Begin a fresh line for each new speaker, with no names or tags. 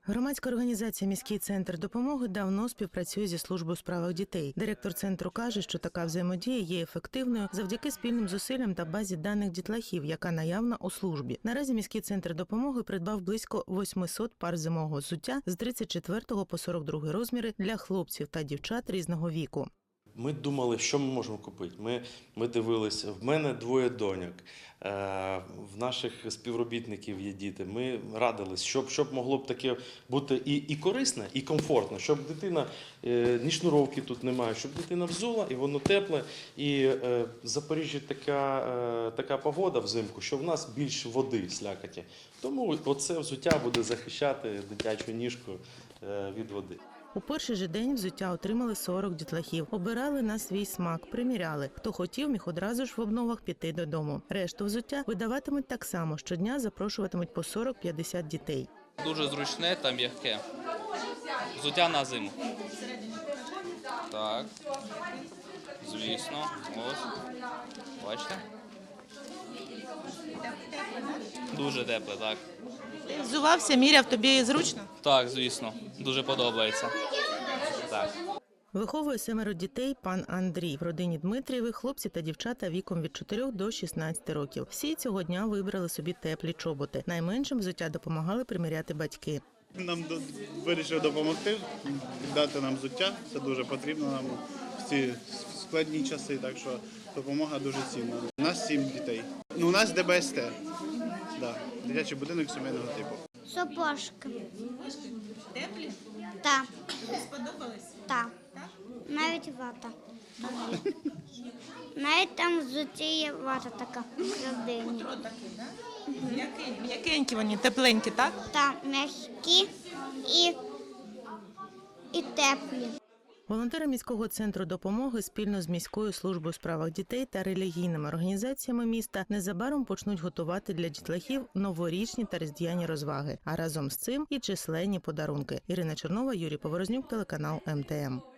Громадська організація «Міський центр допомоги» давно співпрацює зі службою у справах дітей. Директор центру каже, що така взаємодія є ефективною завдяки спільним зусиллям та базі даних дітлахів, яка наявна у службі. Наразі «Міський центр допомоги» придбав близько 800 пар зимового взуття з 34 по 42 розміри для хлопців та дівчат різного віку.
Ми думали, що ми можемо купити. Ми дивилися, в мене двоє доньок, в наших співробітників є діти. Ми радились, щоб могло б таке бути і корисне, і комфортно, щоб дитина, ні шнуровки тут немає, щоб дитина взула, і воно тепле. І в Запоріжжі така погода взимку, що в нас більше води, слякоті. Тому оце взуття буде захищати дитячу ніжку від води.
У перший же день взуття отримали 40 дітлахів. Обирали на свій смак, приміряли. Хто хотів, міг одразу ж в обновах піти додому. Решту взуття видаватимуть так само. Щодня запрошуватимуть по 40-50 дітей.
Дуже зручне та м'яке. Взуття на зиму. Так, звісно. Ось. Бачите? Дуже тепле, так.
Ти взувався, міряв, тобі зручно?
Так, звісно. Дуже подобається. Так.
Виховує 7 дітей пан Андрій. В родині Дмитрієвих хлопці та дівчата віком від 4 до 16 років. Всі цього дня вибрали собі теплі чоботи. Найменшим взуття допомагали приміряти батьки.
Нам вирішили допомогти, дати нам взуття. Це дуже потрібно нам в ці складні часи, так що допомога дуже цінна. У нас 7 дітей. У нас ДБСТ, да, дитячий будинок сімейного типу.
Сапожки.
Теплі?
Так.
Сподобались?
Так. Навіть вата. Навіть там взуті є вата така всередині.
М'якенькі вони, тепленькі, так?
Та м'які і теплі.
Волонтери міського центру допомоги спільно з міською службою у справах дітей та релігійними організаціями міста незабаром почнуть готувати для дітлахів новорічні та різдвяні розваги, а разом з цим і численні подарунки. Ірина Чернова, Юрій Поворознюк, телеканал МТМ.